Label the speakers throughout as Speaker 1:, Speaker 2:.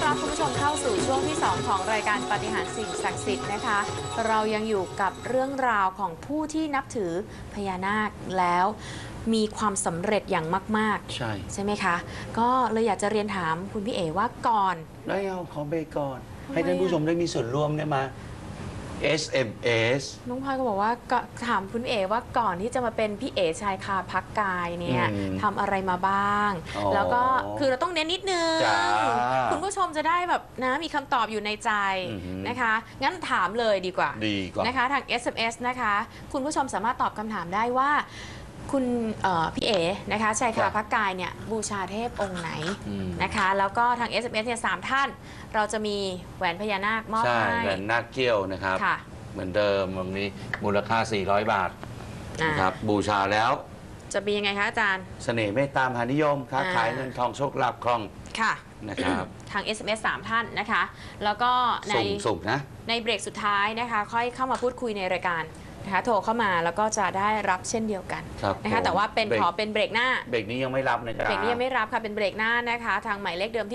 Speaker 1: รับคุณผู้ชมเข้าสู่ช่วงที่ 2 ของรายการปาฏิหาริย์สิ่งศักดิ์สิทธิ์นะคะ เรายังอยู่กับเรื่องราวของผู้ที่นับถือพญานาคแล้วมีความสำเร็จอย่างมากๆใช่ไหมคะก็เลยอยากจะเรียนถามคุณพี่เอ๋ว่าก่อน
Speaker 2: ได้เอาขอเบรกก่อนให้ท่านผู้ชมได้มีส่วนร่วมได้มา SMS
Speaker 1: น้องพลอยก็บอกว่าถามคุณเอ๋ว่าก่อนที่จะมาเป็นพี่เอ๋ชายคาพักกายเนี่ยทำอะไรมาบ้างแล้วก็คือเราต้องเน้นนิดนึงคุณผู้ชมจะได้แบบนะมีคำตอบอยู่ในใจนะคะงั้นถามเลยดีกว่านะคะทาง SMS นะคะคุณผู้ชมสามารถตอบคำถามได้ว่าคุณพี่เอ๋นะคะชายคาพักกายเนี่ยบูชาเทพองค์ไหนนะคะแล้วก็ทาง SMS เนี่ย3 ท่านเราจะมีแหวนพญานาคมอบให้
Speaker 2: แหวนนาคเกี้ยวนะครับเหมือนเดิมวันนี้มูลค่า400 บาทนะครับบูชาแล้ว
Speaker 1: จะเป็นยังไงคะอาจารย์
Speaker 2: เสน่ห์เมตตามหานิยมค้าขายเงินทองโชคลาภคล่อง
Speaker 1: ค่ะ
Speaker 2: นะครับ
Speaker 1: ทาง SMS 3 ท่านนะคะแล้วก็ในในเบรกสุดท้ายนะคะค่อยเข้ามาพูดคุยในรายการนะคะโทรเข้ามาแล้วก็จะได้รับเช่นเดียวกันนะคะแต่ว่าขอเป็นเบรกหน้า
Speaker 2: เบรกนี้ยังไม่รับนะครับ
Speaker 1: เบรกนี้ยังไม่รับค่ะเป็นเบรกหน้านะคะทางหมายเลขเดิมที่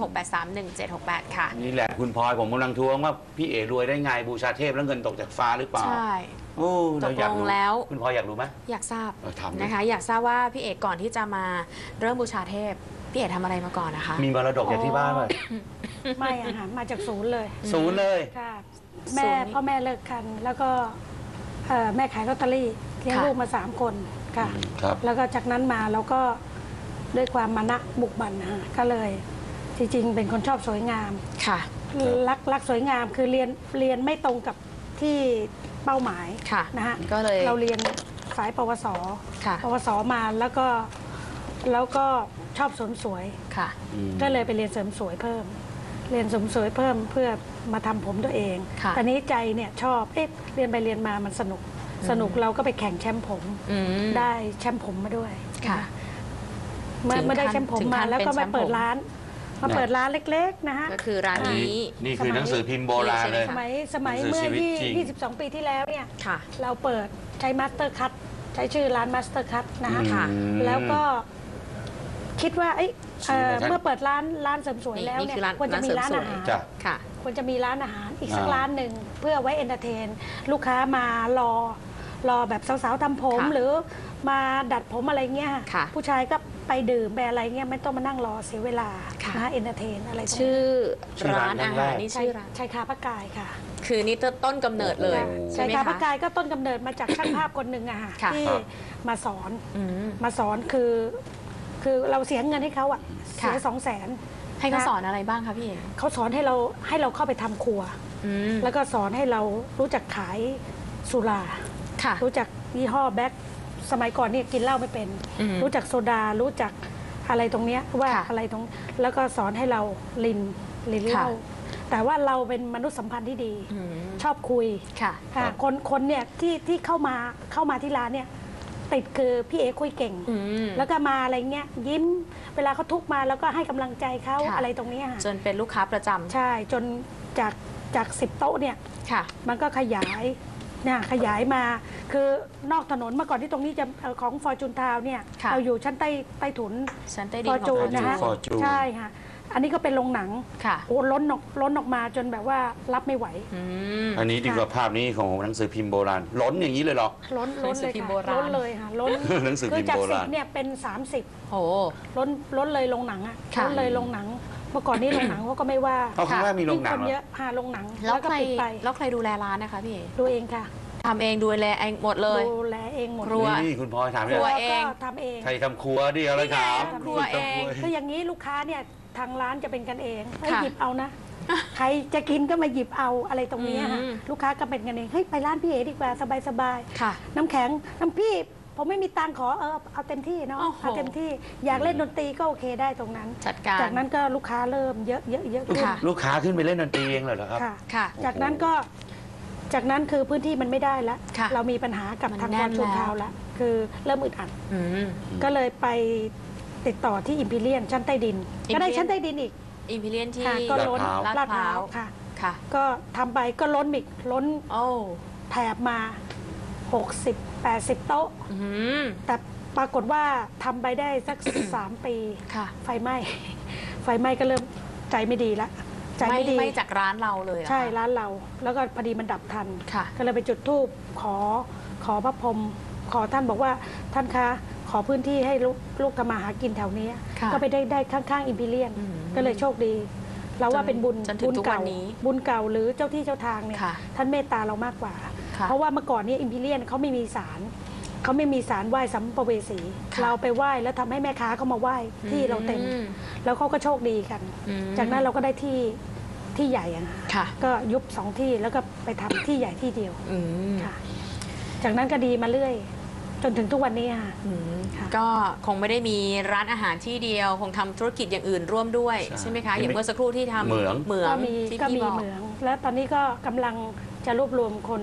Speaker 1: 026831768 ค่ะ
Speaker 2: นี่แหละคุณพลอยผมกำลังทวงว่าพี่เอ๋รวยได้ไงบูชาเทพแล้วเงินตกจากฟ้าหรือเปล่า
Speaker 1: ใช่
Speaker 2: ตกลงแล้วคุณพลอยอยากรู้ไหม
Speaker 1: อยากทราบนะคะอยากทราบว่าพี่เอ๋ก่อนที่จะมาเริ่มบูชาเทพพี่เอ๋ทำอะไรมาก่อนนะคะ
Speaker 2: มีมรดกจากที่บ้านไหม
Speaker 3: ไม่อะค่ะมาจากศูนย์เลยค่ะพ่อแม่เลิกกันแล้วก็แม่ขายลอตเตอรี่เลี้ยงลูกมา3 คนค่ะแล้วก็จากนั้นมาเราก็ด้วยความมานะบุกบั่นนะก็เลยจริงๆเป็นคนชอบสวยงาม
Speaker 1: ค่ะ
Speaker 3: รักสวยงามคือเรียนไม่ตรงกับที่เป้าหมายนะฮะ
Speaker 1: ก็เลย
Speaker 3: เราเรียนสายปวสปวสมาแล้วก็ชอบเสริมสวยก็เลยไปเรียนเสริมสวยเพิ่มเรียนเสริมสวยเพิ่มเพื่อมาทำผมตัวเองตอนนี้ใจเนี่ยชอบเรียนไปเรียนมามันสนุกเราก็ไปแข่งแชมป์ผมได้แชมป์ผมมาด้วยเมื่อได้แชมป์ผมมาแล้วก็มาเปิดร้านเล็กๆนะฮะ
Speaker 1: ก็คือร้านนี้
Speaker 2: นี่คือหนังสือพิมพ์โบราณเลย
Speaker 3: สมัยเมื่อ22 ปีที่แล้วเนี่ยเราเปิดใช้มาสเตอร์คัทใช้ชื่อร้านมาสเตอร์คัทนะคะแล้วก็คิดว่าเมื่อเปิดร้านเสริมสวยแล้วเนี่ยควรจะมีร้านอาหารควรจะมีร้านอาหารอีกสักร้านหนึ่งเพื่อไว้เอนเตอร์เทนลูกค้ามารอแบบสาวๆทำผมหรือมาดัดผมอะไรเงี้ยผู้ชายก็ไปดื่มไปอะไรเงี้ยไม่ต้องมานั่งรอเสียเวลานะเอนเตอร์เทนอะไร
Speaker 1: ชื่อร้านอาหารนี่ชื่อร้าน
Speaker 3: ชายคาพักกายค่ะ
Speaker 1: คือนี่ต้นกำเนิดเลย
Speaker 3: ชายคาพักกายก็ต้นกำเนิดมาจากช่างภาพคนหนึ่งอะค่ะที่มาสอนคือเราเสียเงินให้เขาอะเสีย200,000
Speaker 1: ให้เขาสอนอะไรบ้างคะพี่เอ๋
Speaker 3: เขาสอนให้เราเข้าไปทำครัวแล้วก็สอนให้เรารู้จักขายสุรารู้จักยี่ห้อแบ็คสมัยก่อนนี่กินเหล้าไม่เป็นรู้จักโซดารู้จักอะไรตรงเนี้ยว่าอะไรตรงแล้วก็สอนให้เราลินเหล้าแต่ว่าเราเป็นมนุษยสัมพันธ์ที่ดีชอบคุยคนเนี่ยที่เข้ามาที่ร้านเนี่ยติดคือพี่เอ๋คุยเก่งแล้วก็มาอะไรเงี้ยยิ้มเวลาเขาทุกมาแล้วก็ให้กำลังใจเขาอะไรตรงนี้
Speaker 1: จนเป็นลูกค้าประจำ
Speaker 3: ใช่จนจาก10 โต๊ะเนี่ยมันก็ขยายมาคือนอกถนนเมื่อก่อนที่ตรงนี้จะของฟอร์จูนทาวเนี่ยเราอยู่ชั้นใต้ถุน
Speaker 1: ฟอร์จูน
Speaker 3: นะฮะใช่ค่ะอันนี้ก็เป็นโรงหนังโอ้ล้นออกมาจนแบบว่ารับไม่ไหว
Speaker 2: อันนี้ดีกว่าภาพนี้ของหนังสือพิมพ์โบราณล้นอย่างนี้เลยหรอ
Speaker 3: ล้นเลยค่ะล้นเลยค่ะล้น
Speaker 2: หนังสือพิมพ์โบราณ
Speaker 3: เนี่ยเป็น30
Speaker 1: โอ้
Speaker 3: ล้นเลยโรงหนังอ่ะล้นเลยโรงหนังเมื่อก่อนนี้โรงหนังเขาก็ไม่ว่า
Speaker 2: เขาคิดว่ามีโรงหนัง
Speaker 3: เยอะโรงหนัง
Speaker 1: แล้วก็ปิดไปแล้วใครดูแลร้านนะคะพี่
Speaker 3: ดูเองค่ะ
Speaker 1: ทำเองดูแลเองหมดเลย
Speaker 3: ดูแลเองหมด
Speaker 2: ครัวนี่คุณพลอยถาม
Speaker 1: ครัวเอง
Speaker 3: ทำเอง
Speaker 2: ใครทำครัวดิอะไรถาม
Speaker 1: ครัวเอง
Speaker 3: คืออย่างนี้ลูกค้าเนี่ยทางร้านจะเป็นกันเองให้หยิบเอานะใครจะกินก็มาหยิบเอาอะไรตรงนี้ค่ะลูกค้าก็เป็นกันเองเฮ้ยไปร้านพี่เอ๋ดีกว่าสบายน้ำแข็งน้ำพี่ผมไม่มีตังขอเอาเต็มที่เนาะเอาเต็มที่อยากเล่นดนตรีก็โอเคได้ตรงนั้นจากนั้นก็ลูกค้าเริ่มเยอะขึ้น
Speaker 2: ลูกค้าขึ้นไปเล่นดนตรีเองเลยเหรอครับ
Speaker 3: ค่ะจากนั้นคือพื้นที่มันไม่ได้แล้วเรามีปัญหากับทางฟอร์จูนทาวน์แล้วคือเริ่มอึดอัดก็เลยไปติดต่อที่อิมพีเรียนชั้นใต้ดินก็ได้ชั้นใต้ดินอีก
Speaker 1: อิมพีเรียนที่
Speaker 3: ก็ล้นลาดพร้าวค่ะก็ทำไปก็ล้นอีกล้นแถบมา60-80 โต๊ะแต่ปรากฏว่าทำไปได้สัก3 ปีไฟไหม้ก็เริ่มใจไม่ดีละใจไม่ดี
Speaker 1: ไม่จากร้านเราเลย
Speaker 3: ใช่ร้านเราแล้วก็พอดีมันดับทันก็เลยไปจุดธูปขอพระพรหมขอท่านบอกว่าท่านคะขอพื้นที่ให้ลูกทำมาหากินแถวนี้ก็ไปได้ข้างๆอิมพีเรียนก็เลยโชคดีเราว่าเป็นบุญเก่าบุญเก่าหรือเจ้าที่เจ้าทางเนี่ยท่านเมตตาเรามากกว่าเพราะว่าเมื่อก่อนนี้อิมพีเรียนเขาไม่มีศาลไหว้สัมภเวสีเราไปไหว้แล้วทำให้แม่ค้าเขามาไหว้ที่เราเต็มแล้วเขาก็โชคดีกันจากนั้นเราก็ได้ที่ใหญ่ก็ยุบ2 ที่แล้วก็ไปทำที่ใหญ่ที่เดียวค่ะจากนั้นก็ดีมาเรื่อยจนถึงทุกวันนี้ค่ะ
Speaker 1: ก็คงไม่ได้มีร้านอาหารที่เดียวคงทำธุรกิจอย่างอื่นร่วมด้วยใช่ไหมคะอย่างเมื่อสักครู่ที่ทำเหมือง
Speaker 3: ก็มีเหมืองแล้วตอนนี้ก็กำลังจะรวบรวมคน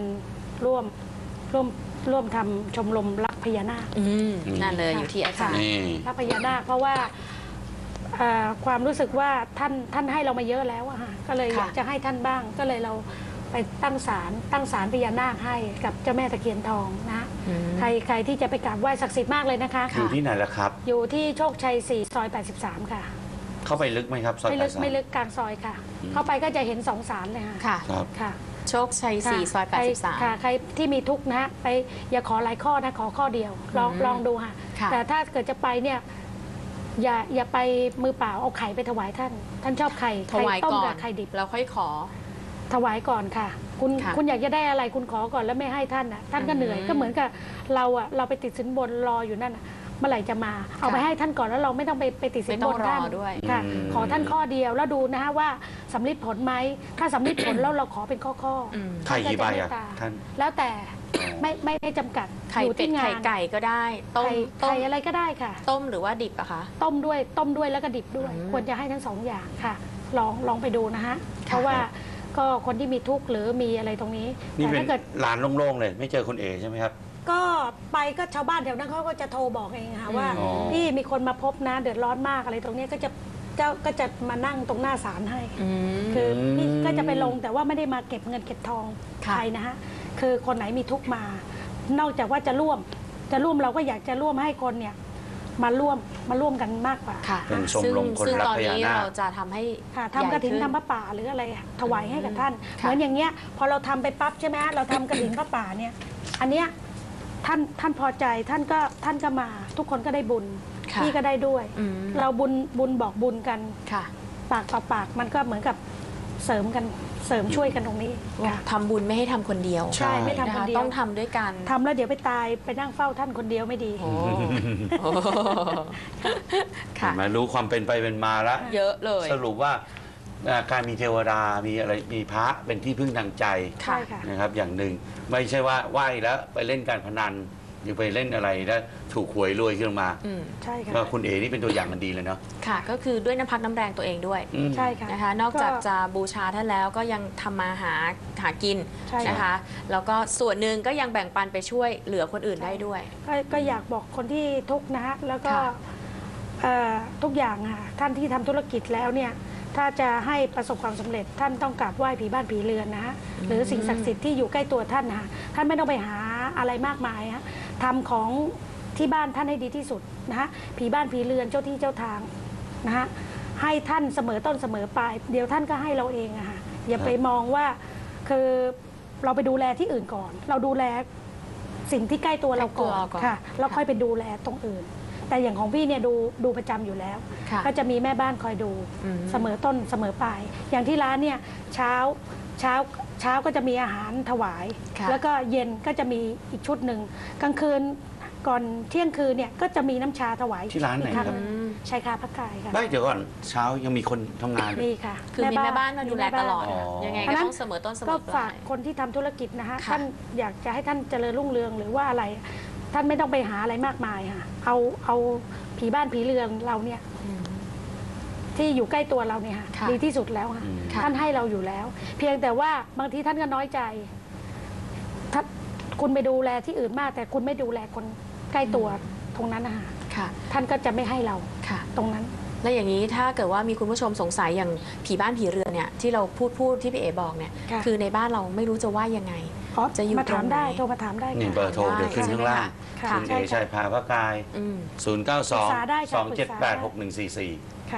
Speaker 3: ร่วมทำชมรมรักพญานาค
Speaker 1: นั่นเลยอยู่ที่อาจารย์
Speaker 3: รักพญานาคเพราะว่าความรู้สึกว่าท่านให้เรามาเยอะแล้วก็เลยอยากจะให้ท่านบ้างก็เลยเราไปตั้งศาลพญานาคให้กับเจ้าแม่ตะเคียนทองนะใครที่จะไปกราบไหว้ศักดิ์สิทธิ์มากเลยนะคะ
Speaker 2: อยู่ที่ไหนล่ะครับ
Speaker 3: อยู่ที่โชคชัย4 ซอย 83ค่ะ
Speaker 2: เข้าไปลึกไหมครับซอย
Speaker 3: ไม่ลึกกลางซอยค่ะเข้าไปก็จะเห็น2 ศาลเลย
Speaker 1: ค่ะ
Speaker 3: ค่ะ
Speaker 1: โชคชัย4 ซอย 83
Speaker 3: ค่ะใครที่มีทุกข์นะไปอย่าขอหลายข้อนะขอข้อเดียวลองดูค่ะแต่ถ้าเกิดจะไปเนี่ยอย่าไปมือเปล่าเอาไข่ไปถวายท่านชอบไข่ต้มกับไข่ดิบ
Speaker 1: แล้วค่อยขอ
Speaker 3: ถวายก่อนค่ะคุณอยากจะได้อะไรคุณขอก่อนแล้วไม่ให้ท่านท่านก็เหนื่อยก็เหมือนกับเราไปติดสินบนรออยู่นั่นเมื่อไหร่จะมาเอาไปให้ท่านก่อนแล้วเราไม่ต้องไปติดสินบนท่าน
Speaker 1: ด้วย
Speaker 3: ค่ะขอท่านข้อเดียวแล้วดูนะฮะว่าสำลิดผลไหมถ้าสำลิดผลแล้วเราขอเป็นข้อ
Speaker 2: ไข่กี่ใบอ่ะท่าน
Speaker 3: แล้วแต่ไม่จำกัด
Speaker 1: อยู่ที่งานไข่ไก่ก็ได้ต้ม
Speaker 3: ไข่อะไรก็ได้ค่ะ
Speaker 1: ต้มหรือว่าดิบอะคะ
Speaker 3: ต้มด้วยแล้วก็ดิบด้วยควรจะให้ทั้ง2 อย่างค่ะลองไปดูนะฮะเพราะว่าก็คนที่มีทุกข์หรือมีอะไรตรงนี้
Speaker 2: แต่ถ้าเกิดร้านโล่งๆเลยไม่เจอคุณเอใช่ไหมครับ
Speaker 3: ก็ไปก็ชาวบ้านแถวนั้นเขาก็จะโทรบอกเองค่ะว่าพี่มีคนมาพบนะเดือดร้อนมากอะไรตรงนี้ก็จะมานั่งตรงหน้าศาลให้คือพี่ก็จะไปลงแต่ว่าไม่ได้มาเก็บเงินเก็บทองใครนะฮะคือคนไหนมีทุกข์มานอกจากว่าจะร่วมเราก็อยากจะร่วมให้คนเนี่ยมาร่วมกันมากกว่า
Speaker 2: เป็นชมรมคนรักพญานาค
Speaker 1: เราจะทำให้
Speaker 3: ทำกระถิ่นทำพระป่าหรืออะไรถวายให้กับท่านเหมือนอย่างเงี้ยพอเราทำไปปั๊บใช่ไหมเราทำกระถิ่นพระป่าเนี่ยอันเนี้ยท่านพอใจท่านก็มาทุกคนก็ได้บุญพี่ก็ได้ด้วยเราบุญบอกบุญกันปากต่อปากมันก็เหมือนกับเสริมช่วยกันตรงนี้
Speaker 1: ทำบุญไม่ให้ทำคนเดียว
Speaker 3: ใช่ไม่ทำคนเดียว
Speaker 1: ต้องทำด้วยกัน
Speaker 3: ทำแล้วเดี๋ยวไปตายไปนั่งเฝ้าท่านคนเดียวไม่ดี
Speaker 2: มารู้ความเป็นไปเป็นมาแล้ว
Speaker 1: เยอะเลย
Speaker 2: สรุปว่าการมีเทวดามีอะไรมีพระเป็นที่พึ่งทางใจนะครับอย่างหนึ่งไม่ใช่ว่าไหว้แล้วไปเล่นการพนันหรือไปเล่นอะไรแล้วถูกหวยรวยขึ้นมา
Speaker 3: ใช่ค่ะ
Speaker 2: ก็คุณเอ๋นี่เป็นตัวอย่างมันดีเลยเนาะ
Speaker 1: ค่ะก็คือด้วยน้ำพักน้ำแรงตัวเองด้วย
Speaker 3: ใช่ค่ะ
Speaker 1: นะคะนอกจากจะบูชาท่านแล้วก็ยังทำมาหากินนะคะแล้วก็ส่วนหนึ่งก็ยังแบ่งปันไปช่วยเหลือคนอื่นได้ด้วย
Speaker 3: ก็อยากบอกคนที่ทุกข์นะฮะแล้วก็ทุกอย่างค่ะท่านที่ทำธุรกิจแล้วเนี่ยถ้าจะให้ประสบความสำเร็จท่านต้องกราบไหว้ผีบ้านผีเรือนนะฮะหรือสิ่งศักดิ์สิทธิ์ที่อยู่ใกล้ตัวท่านนะท่านไม่ต้องไปหาอะไรมากมายฮะทำของที่บ้านท่านให้ดีที่สุดนะฮะผีบ้านผีเรือนเจ้าที่เจ้าทางนะฮะให้ท่านเสมอต้นเสมอปลายเดี๋ยวท่านก็ให้เราเองอะค่ะอย่าไปมองว่าคือเราไปดูแลที่อื่นก่อนเราดูแลสิ่งที่ใกล้ตัวเราก่อนค่ะแล้วค่อยไปดูแลตรงอื่นแต่อย่างของพี่เนี่ยดูประจำอยู่แล้วก็จะมีแม่บ้านคอยดูเสมอต้นเสมอปลายอย่างที่ร้านเนี่ยเช้าก็จะมีอาหารถวายแล้วก็เย็นก็จะมีอีกชุดหนึ่งกลางคืนก่อนเที่ยงคืนเนี่ยก็จะมีน้ำชาถวาย
Speaker 2: ที่ร้านไหนครับ
Speaker 3: ใช่ค่ะพระกายค่ะ
Speaker 2: ไม่เดี๋ยวก่อนเช้ายังมีคนทำงาน
Speaker 3: มีค่ะ
Speaker 1: คือมีแม่บ้านมาดูแลตลอดยังไงก็ต้องเสมอต้นเสมอปลาย
Speaker 3: ก็ฝากคนที่ทำธุรกิจนะคะท่านอยากจะให้ท่านเจริญรุ่งเรืองหรือว่าอะไรท่านไม่ต้องไปหาอะไรมากมายค่ะเอาผีบ้านผีเรือนเราเนี่ยที่อยู่ใกล้ตัวเราเนี่ยดีที่สุดแล้วค่ะท่านให้เราอยู่แล้วเพียงแต่ว่าบางทีท่านก็น้อยใจถ้าคุณไปดูแลที่อื่นมากแต่คุณไม่ดูแลคนใกล้ตัวตรงนั้นนะคะท่านก็จะไม่ให้เราตรงนั้น
Speaker 1: แล้วอย่างนี้ถ้าเกิดว่ามีคุณผู้ชมสงสัยอย่างผีบ้านผีเรือนเนี่ยที่เราพูดที่พี่เอ๋บอกเนี่ยคือในบ้านเราไม่รู้จะว่ายังไง
Speaker 3: จะอยู่มาถามได้โทรมาถามได้
Speaker 2: นี่เบอร์โทรเดี๋ยวขึ้นข้างล่างคุณเอ๋ชัยพาพระกาย092-278-6144
Speaker 3: ค่ะ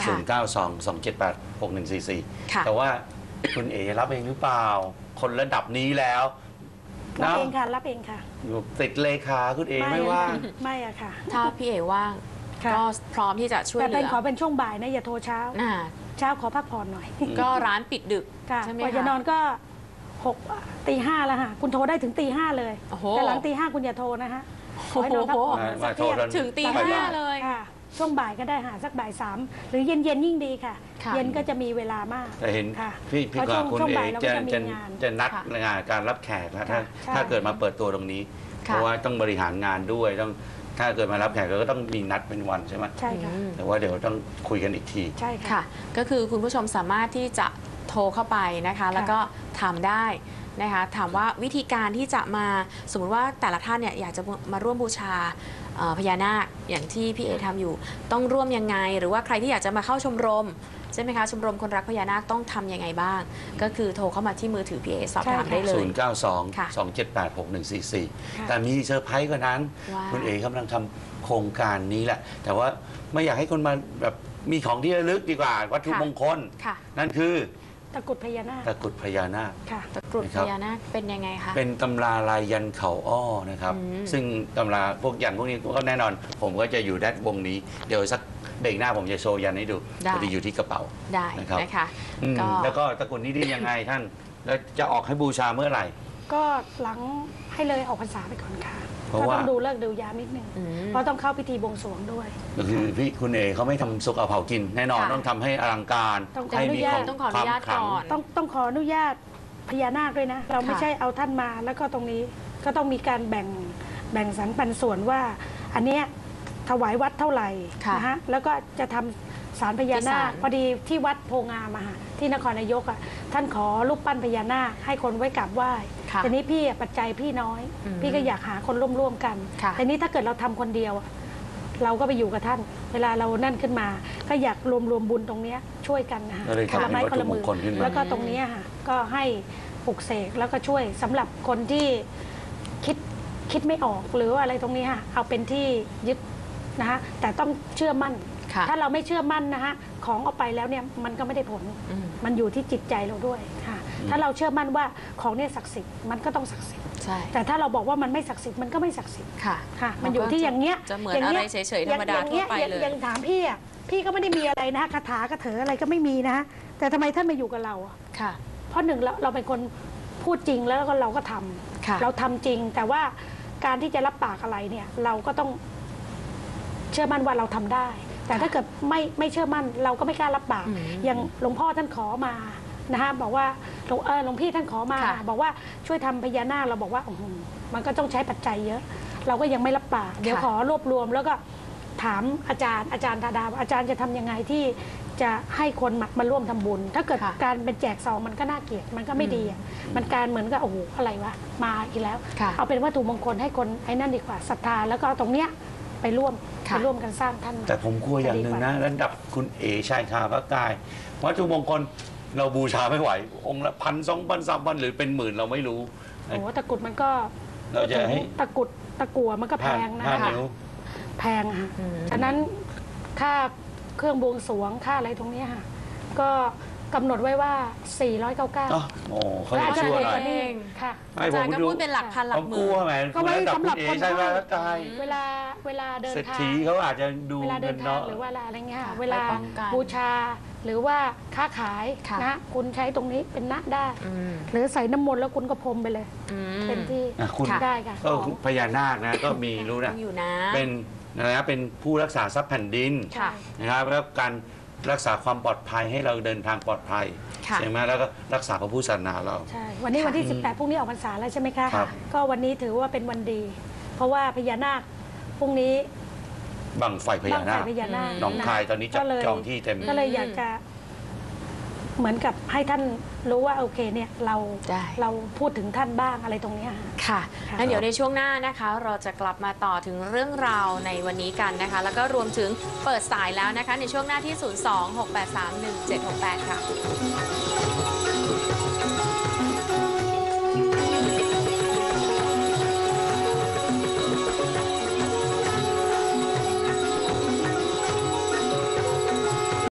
Speaker 2: 0922786144แต่ว่าคุณเอ๋รับเองหรือเปล่า คนระดับนี้แล้ว
Speaker 3: รับ
Speaker 2: นะ
Speaker 3: เองค่ะรับเองค่ะ
Speaker 2: ติดเลขาคุณเอ๋ไม่ว่าง
Speaker 3: ไม่อะค่ะ
Speaker 1: ถ้าพี่เอ๋ว่าง
Speaker 3: ค่ะ
Speaker 1: ก็พร้อมที่จะช่วย
Speaker 3: แต่
Speaker 1: เหลื
Speaker 3: เป็น
Speaker 1: อ
Speaker 3: ขอเป็นช่วงบ่ายนะอย่าโทรเช้า
Speaker 1: อ่า
Speaker 3: เช้าขอพักผ่อนหน่อย
Speaker 1: ก็ร้านปิดดึก
Speaker 3: ค่ะ
Speaker 1: ใช่ไหม
Speaker 3: กว่าจะนอ
Speaker 1: คะ
Speaker 3: นก็6 ตี 5แล้วค่ะคุณโทรได้ถึงตี 5เลย
Speaker 1: โอ้โห
Speaker 3: แต่หลังตี 5คุณอย่าโทรนะฮะขอให้นอนพักผ่อน
Speaker 2: มาโทรกัน
Speaker 1: ถึงตี
Speaker 2: บ่าย
Speaker 1: ห้า
Speaker 2: ๆ
Speaker 1: เลย
Speaker 3: ค่ะช่วงบ่ายก็ได้หาสักบ่าย 3หรือเย็นยิ่งดีค่ะ
Speaker 1: ค่ะ
Speaker 3: เย็นก็จะมีเวลามาก
Speaker 2: แต่เห็น
Speaker 3: ค่ะ
Speaker 2: พี่
Speaker 3: เพราะ
Speaker 2: กับคุณ
Speaker 3: ช่วง
Speaker 2: เอ๋
Speaker 3: บ่ายเราก็จะมีงาน
Speaker 2: จะนัด
Speaker 1: ค่ะ
Speaker 2: งานการรับแขกแล้วถ้า
Speaker 3: ใช่
Speaker 2: ถ้าเกิดมาเปิดตัวตรงนี้
Speaker 1: ค่ะ
Speaker 2: เพราะว่าต้องบริหารงานด้วยต้องถ้าเกิดมารับแขกก็ต้องมีนัดเป็นวันใช่ไหม
Speaker 3: ใช่ค่ะ
Speaker 1: อืม
Speaker 2: แต่ว่าเดี๋ยวต้องคุยกันอีกที
Speaker 3: ใช่ค่ะ
Speaker 1: ค่ะ ก็คือคุณผู้ชมสามารถที่จะโทรเข้าไปนะคะ แล้วก็ถามได้นะคะถามว่าวิธีการที่จะมาสมมติว่าแต่ละท่านเนี่ยอยากจะมาร่วมบูชาพญานาคอย่างที่พี่เอทำอยู่ ต้องร่วมยังไง หรือว่าใครที่อยากจะมาเข้าชมรมใช่ไหมคะชมรมคนรักพญานาคต้องทำยังไงบ้าง ก็คือโทรเข้ามาที่มือถือพี่เอสอบถาม
Speaker 3: ใช่ค่ะ
Speaker 1: ได้เลย
Speaker 2: 092
Speaker 1: ค่ะ
Speaker 2: 2786144 แต่มีเซอร์ไพรส์กว่านั้น
Speaker 1: ว่า
Speaker 2: คุณเอ๋กำลังทำโครงการนี้แหละ แต่ว่าไม่อยากให้คนมาแบบมีของที่ระลึกดีกว่า วัตถุมงคล
Speaker 1: ค่ะ
Speaker 2: นั่นคือ
Speaker 3: ตะกรุดพญานาค
Speaker 2: ตะกรุดพญานาค
Speaker 3: ค่ะ
Speaker 1: ตะกรุด
Speaker 2: นะครั
Speaker 1: พ
Speaker 2: บ
Speaker 1: ญานาคเป็นยังไงคะ
Speaker 2: เป็นตำราลายยันเขาอ้อนะครับ
Speaker 1: อืม
Speaker 2: ซึ่งตำราพวกยันพวกนี้ก็แน่นอน ผมก็จะอยู่ด้านวงนี้ เดี๋ยวสักเบรกหน้าผมจะโชว์ยันให้ดู
Speaker 1: ได้
Speaker 2: พอดีอยู่ที่กระเป๋า
Speaker 1: ได้
Speaker 2: นะครับ
Speaker 1: นะคะ
Speaker 2: อืม
Speaker 1: ก็
Speaker 2: แล้วก็ตะกรุดนี้ดียังไงท่าน แล้วจะออกให้บูชาเมื่อไหร่
Speaker 3: ก็หลังให้เลยออกพรรษาไปก่อนค่ะ
Speaker 2: เพราะ
Speaker 3: ก็
Speaker 2: ว่า
Speaker 3: ต้องดูเลิกษ์ดูยามนิดนึง
Speaker 1: อืม
Speaker 3: เพราะต้องเข้าพิธีบวงสรวงด้วย
Speaker 2: ก็คือพี่คุณเอเขาไม่ทำสุกเอาเผากิน แน่นอน
Speaker 1: ค่ะ
Speaker 2: ต้องทำให้อลังการ
Speaker 3: ต้อง
Speaker 2: ให้มีความ
Speaker 1: ต้องขออนุญาต
Speaker 2: ความขลัง
Speaker 1: ก่อน
Speaker 3: ต้องขออนุญาตพญานาคด้วยนะ เราไม่
Speaker 1: ค่ะ
Speaker 3: ใช่เอาท่านมาแล้วก็ตรงนี้ก็ต้องมีการแบ่งสรรปันส่วนว่า อันเนี้ยถวายวัดเท่าไหร่
Speaker 1: ค่ะ
Speaker 3: นะฮะแล้วก็จะทำศาลพญานาค
Speaker 1: ที่ศาล
Speaker 3: พอดีที่วัดโพงามอะค่ะที่นครนายกอะท่านขอรูปปั้นพญานาคให้คนไว้กราบไหว้
Speaker 1: ค่ะ
Speaker 3: ทีนี้พี่อะปัจจัยพี่น้อย
Speaker 1: อืม
Speaker 3: พี่ก็อยากหาคนร่วมกัน
Speaker 1: ค่ะ
Speaker 3: แต่นี้ถ้าเกิดเราทำคนเดียวอะเราก็ไปอยู่กับท่าน เวลาเรานั่นขึ้นมา ก็อยากรวมบุญตรงเนี้ยช่วยกันนะคะ
Speaker 2: ก็เลย
Speaker 3: คนละไม้
Speaker 2: ทำเป็นวัตถุ
Speaker 3: คนละมือ
Speaker 2: มงคลขึ้นมา
Speaker 3: แล้วก็ตรงเนี้ยค่ะก็ให้ปลุกเสกแล้วก็ช่วยสำหรับคนที่คิดไม่ออกหรือว่าอะไรตรงนี้ค่ะเอาเป็นที่ยึดนะคะแต่ต้องเชื่อมั่น
Speaker 1: ค่ะ
Speaker 3: ถ้าเราไม่เชื่อมั่นนะคะของเอาไปแล้วเนี่ยมันก็ไม่ได้ผล
Speaker 1: อืม
Speaker 3: มันอยู่ที่จิตใจเราด้วยค่ะถ้าเราเชื่อมั่นว่าของเนี่ยศักดิ์สิทธิ์มันก็ต้องศักดิ์สิทธิ์
Speaker 1: ใช่
Speaker 3: แต่ถ้าเราบอกว่ามันไม่ศักดิ์สิทธิ์มันก็ไม่ศักดิ์สิทธิ์
Speaker 1: ค่ะ
Speaker 3: ค่ะ มันอยู่ที่อย่างเงี้ย
Speaker 1: จะเหมือนอะไรเฉยๆธรรมดาทั่วไปเลย
Speaker 3: อย่างถามพี่อ่ะพี่ก็ไม่ได้มีอะไรนะคาถากระเถออะไรก็ไม่มีนะแต่ทำไมท่านมาอยู่กับเราอ่ะ
Speaker 1: ค่ะ
Speaker 3: เพราะหนึ่งเราเป็นคนพูดจริงแล้วก็เราก็ทำ
Speaker 1: ค่ะ
Speaker 3: เราทำจริง แต่ว่าการที่จะรับปากอะไรเนี่ย เราก็ต้องเชื่อมั่นว่าเราทำได้ แต่ถ้าเกิดไม่เชื่อมั่น เราก็ไม่กล้ารับปาก
Speaker 1: อืม
Speaker 3: อย่างหลวงพ่อท่านขอมานะคะบอกว่าหลวงพี่ท่านขอมา
Speaker 1: ค่ะ
Speaker 3: บอกว่าช่วยทำพญานาคเราบอกว่ามันก็ต้องใช้ปัจจัยเยอะ เราก็ยังไม่รับปากเดี๋ยวขอรวบรวม แล้วก็ถามอาจารย์ธาดาอาจารย์จะทำยังไงที่จะให้คนมาร่วมทำบุญ ถ้าเกิด
Speaker 1: ค่ะ
Speaker 3: การเป็นแจกซองมันก็น่าเกลียดมันก็ไม่ดีอะมันการเหมือนกับโอ้โหอะไรวะมาอีกแล้ว
Speaker 1: ค่ะ
Speaker 3: เอาเป็นวัตถุมงคลให้คนไอ้นั่นดีกว่าศรัทธาแล้วก็เอาตรงเนี้ยไปร่วม
Speaker 1: ค่ะ
Speaker 3: กันสร้างท่าน
Speaker 2: แต่ผมกลัวอย่างหนึ่งนะระดับคุณเอชายคาพระกาย วัตถุมงคลเราบูชาไม่ไหว องค์ละ1,000 2,000 3,000 หรือเป็นหมื่นเราไม่รู้
Speaker 3: โอ้โหตะกรุดมันก็
Speaker 2: เราจะให้
Speaker 3: ตะกรุดตะกั่วมันก็แพงนะ
Speaker 2: ห้า
Speaker 3: คะ
Speaker 2: นิ้ว
Speaker 3: แพงอะค่ะ
Speaker 1: อืม
Speaker 3: ฉะนั้นค่าเครื่องบวงสรวงค่าอะไรตรงเนี้ยค่ะ ก็กำหนดไว้ว่า 499
Speaker 2: อ๋อโอ้เขา
Speaker 3: และ
Speaker 2: จะ
Speaker 3: อาจาร
Speaker 2: ชั่
Speaker 3: ย์
Speaker 2: ว
Speaker 3: เอก
Speaker 2: หน่อย
Speaker 3: ก็นี่ค่ะ
Speaker 2: ไม่
Speaker 1: อา
Speaker 2: ผ
Speaker 1: จาร
Speaker 2: ม
Speaker 1: ย์ก็
Speaker 2: ดู
Speaker 1: พูดเป็นหลักพันหลั
Speaker 2: ผ
Speaker 1: ก
Speaker 2: ม
Speaker 1: ห
Speaker 2: กลั
Speaker 1: มื่
Speaker 2: วน แหม
Speaker 3: ก็ไว้
Speaker 2: ระดับ
Speaker 3: สำหรับ
Speaker 2: คุณเอ
Speaker 3: คน
Speaker 2: ชาย
Speaker 3: ไข้
Speaker 2: พระกาย
Speaker 3: เวลาเดิน
Speaker 2: เศรษ
Speaker 3: ทาง
Speaker 2: ฐีเขาอาจจะดู
Speaker 3: เวลาเดิ
Speaker 2: เงิ
Speaker 3: น
Speaker 2: น
Speaker 3: ทาง
Speaker 2: เนาะ
Speaker 3: หรือว่าอะไรเงี้ย
Speaker 1: ค่ะ
Speaker 3: เวลา
Speaker 1: ไปป้องกัน
Speaker 3: บูชาหรือว่าค้าขาย
Speaker 1: ค่ะ
Speaker 3: นะคุณใช้ตรงนี้เป็นณได้
Speaker 1: อืม
Speaker 3: หรือใส่น้ำมนต์แล้วคุณก็พรมไปเลย
Speaker 1: อืม
Speaker 3: เต็มที่
Speaker 2: อ่ะคุณ
Speaker 3: ได้ค่ะ
Speaker 2: ก็พญานาคนะก็มีรู้
Speaker 1: ต้
Speaker 2: นะ
Speaker 1: องอยู่นะ
Speaker 2: เป็นนะเป็นผู้รักษาทรัพย์แผ่นดิน
Speaker 1: ค่ะ
Speaker 2: นะครับแล้วการรักษาความปลอดภัยให้เราเดินทางปลอดภัย
Speaker 1: ค่ะ
Speaker 2: ใช่ไหมแล้วก็รักษาพระพุทธศาสนาเรา
Speaker 3: ใช่ วันนี้วันที่
Speaker 2: ค่ะ
Speaker 3: 18พรุ่งนี้ออกพรรษาแล้วใช่ไหมคะ
Speaker 2: ครับ
Speaker 3: ก็วันนี้ถือว่าเป็นวันดี เพราะว่าพญานาคพรุ่งนี้
Speaker 2: บังไฟพญา
Speaker 3: บ้าง
Speaker 2: นา
Speaker 3: ไฟ
Speaker 2: ค
Speaker 3: พญานาค
Speaker 2: หนองคายตอนนี้จับ
Speaker 3: ก็เลย
Speaker 2: จองที่เต็ม
Speaker 3: ก็เลยอยากจะ เหมือนกับให้ท่านรู้ว่าโอเคเนี่ยเรา
Speaker 1: ได้
Speaker 3: เราพูดถึงท่านบ้างอะไรตรงเนี้ยค่ะ
Speaker 1: ค่ะ
Speaker 3: ค่ะ
Speaker 1: งั้นเดี๋ยวในช่วงหน้านะคะ เราจะกลับมาต่อถึงเรื่องราวในวันนี้กันนะคะ แล้วก็รวมถึงเปิดสายแล้วนะคะ ในช่วงหน้าที่ 026831768 ค่ะ